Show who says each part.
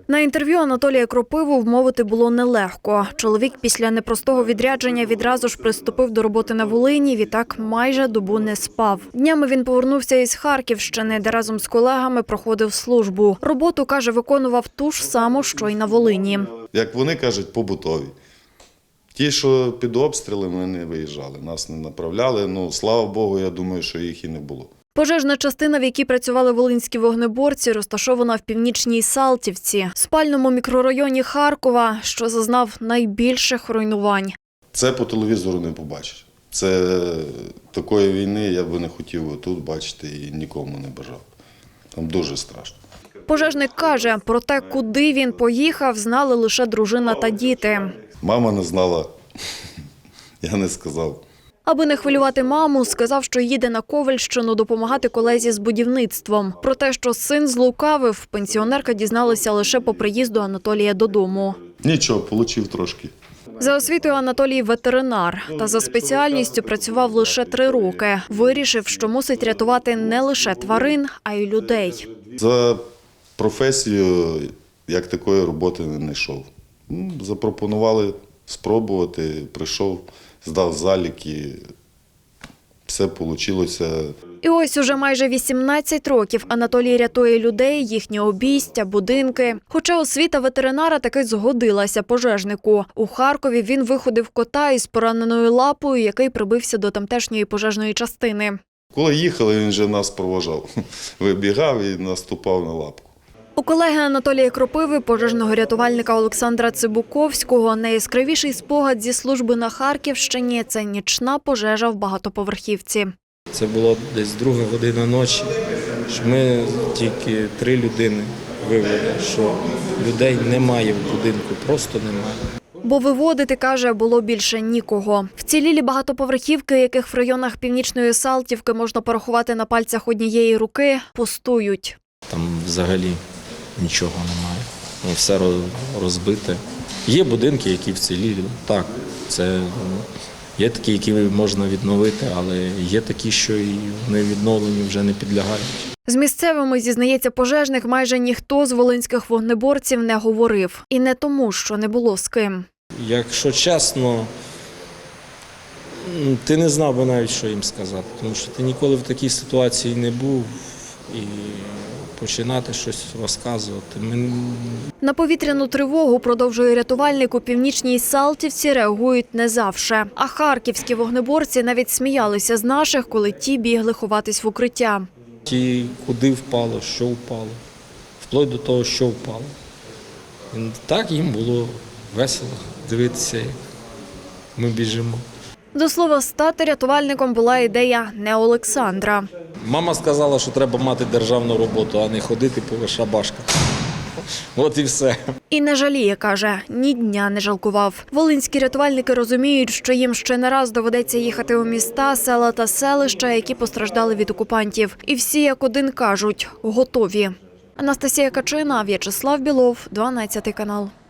Speaker 1: На інтерв'ю Анатолія Кропиву вмовити було нелегко. Чоловік після непростого відрядження відразу ж приступив до роботи на Волині, відтак майже добу не спав. Днями він повернувся із Харківщини, де разом з колегами проходив службу. Роботу, каже, виконував ту ж саму, що й на Волині.
Speaker 2: Як вони кажуть, побутові. Ті, що під обстрілами, не виїжджали, нас не направляли. Слава Богу, я думаю, що їх і не було.
Speaker 1: Пожежна частина, в якій працювали волинські вогнеборці, розташована в Північній Салтівці, спальному мікрорайоні Харкова, що зазнав найбільших руйнувань.
Speaker 2: Це по телевізору не побачиш. Це такої війни я б не хотів тут бачити і нікому не бажав. Там дуже страшно.
Speaker 1: Пожежник каже, про те, куди він поїхав, знали лише дружина та діти.
Speaker 2: Мама не знала, я не сказав.
Speaker 1: Аби не хвилювати маму, сказав, що їде на Ковельщину допомагати колезі з будівництвом. Про те, що син злукавив, пенсіонерка дізналася лише по приїзду Анатолія додому.
Speaker 2: Нічого, отримав трошки.
Speaker 1: За освітою Анатолій ветеринар, та за спеціальністю працював лише 3 роки. Вирішив, що мусить рятувати не лише тварин, а й людей.
Speaker 2: За професію як такої роботи не йшов. Запропонували спробувати, прийшов, здав заліки, все вийшло.
Speaker 1: І ось уже майже 18 років Анатолій рятує людей, їхні обійстя, будинки. Хоча освіта ветеринара таки згодилася пожежнику. У Харкові він виходив кота із пораненою лапою, який прибився до тамтешньої пожежної частини.
Speaker 2: Коли їхали, він вже нас провожав. Вибігав і наступав на лапку.
Speaker 1: У колеги Анатолія Кропиви, пожежного рятувальника Олександра Цибуковського, найяскравіший спогад зі служби на Харківщині – це нічна пожежа в багатоповерхівці.
Speaker 3: Це було десь 2 година ночі, що ми тільки 3 людини вивели, що людей немає в будинку, просто немає.
Speaker 1: Бо виводити, каже, було більше нікого. Вцілілі багатоповерхівки, яких в районах Північної Салтівки можна порахувати на пальцях однієї руки, пустують.
Speaker 3: Там взагалі нічого немає, все розбите. Є будинки, які вцілілі, так, це є такі, які можна відновити, але є такі, що і вони відновленню вже не підлягають.
Speaker 1: З місцевими, зізнається пожежник, майже ніхто з волинських вогнеборців не говорив. І не тому, що не було з ким.
Speaker 3: Якщо чесно, ти не знав би навіть, що їм сказати, тому що ти ніколи в такій ситуації не був і починати щось розказувати.
Speaker 1: На повітряну тривогу, продовжує рятувальник, у Північній Салтівці реагують не завше. А харківські вогнеборці навіть сміялися з наших, коли ті бігли ховатись в укриття.
Speaker 3: Ті, куди впало, що впало, вплоть до того, що впало. І так їм було весело дивитися, як ми біжимо.
Speaker 1: До слова, стати рятувальником була ідея не Олександра.
Speaker 3: Мама сказала, що треба мати державну роботу, а не ходити по шабашках. От і все.
Speaker 1: І не жаліє, каже, ні дня не жалкував. Волинські рятувальники розуміють, що їм ще не раз доведеться їхати у міста, села та селища, які постраждали від окупантів. І всі як один кажуть – готові. Анастасія Качина, В'ячеслав Білов, 12 канал.